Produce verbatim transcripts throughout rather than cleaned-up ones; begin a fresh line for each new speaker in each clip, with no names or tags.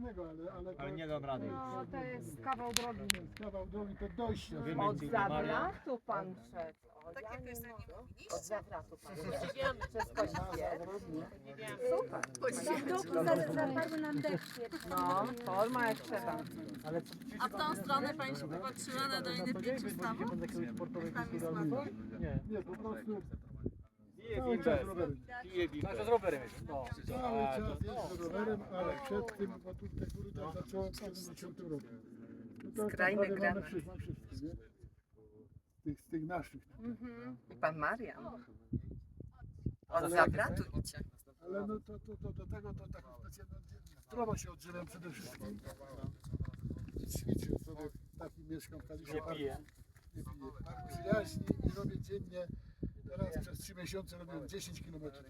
fajnego, ale... Ale, to,
Ale nie dam rady.
No to jest kawał drogi.
to jest kawał drogi, to dojście.
Wiemy,
Od
gdzie Maria.
zawratu pan szedł. O, ja
Takie
nie
piosenki
mogę.
mówiliście?
Od zawratu pan
Podziwiamy.
Wszystko świetnie. Super.
Zapadły nam deszcz.
No, forma jak trzeba.
A w tą stronę pani się popatrzyła na Dolinę Pięciu Stawów? Tam jest Mazur?
Nie, po prostu
Pije
cały czas rowerem.
Pije z rowerem. No.
Cały czas jeżdżę rowerem, ale przed tym, bo tu te góry tak zacząłem w siedemdziesiątym roku. No to
Skrajny
tak naprawdę mamy
granat.
wszystko, wszystko, nie? Z tych, z tych naszych.
Mhm. I pan Marian. Od
Ale-
zawratu idzie.
Ale no to, to, to do tego to tak specjalnie zdrowo się odżywiam przede wszystkim. Ćwiczę sobie, taki mieszkam w Kaliszu.
Nie pije.
Nie piję. Mam przyjaźni i robię dziennie. Teraz przez trzy miesiące robię dziesięć kilometrów.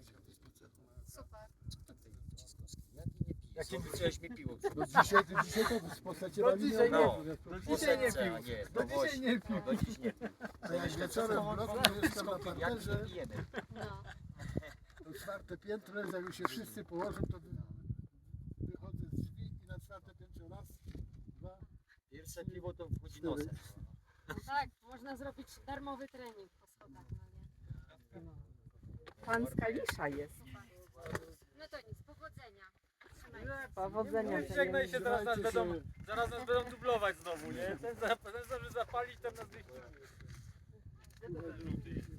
Jak nie chciałeś mi piło.
No dzisiaj, to dzisiaj to w postaci
No dzisiaj
nie.
nie.
No,
Dzisiaj nie pił.
no dzisiaj nie pił.
No dziś nie pił.
A jak wieczorem w bloku mieszkam na
Jak
parterze,
nie pijemy.
No.
to czwarte piętro, jak już się wszyscy położą, to wy- wychodzę z drzwi i na czwarte piętro raz, dwa,
Pierwsze piwo to wchodzi nosem.
Tak, można zrobić darmowy trening po schodach, no nie?
Pan z Kalisza jest.
No to nic, powodzenia. Trzymaj się.
Powodzenia.
Nie żegnaj się, zaraz nas
Trzymajcie
będą,
się.
zaraz nas będą dublować znowu, nie? Ten za- ten zawsze zapalić, ten nas wyścignie.
dwa,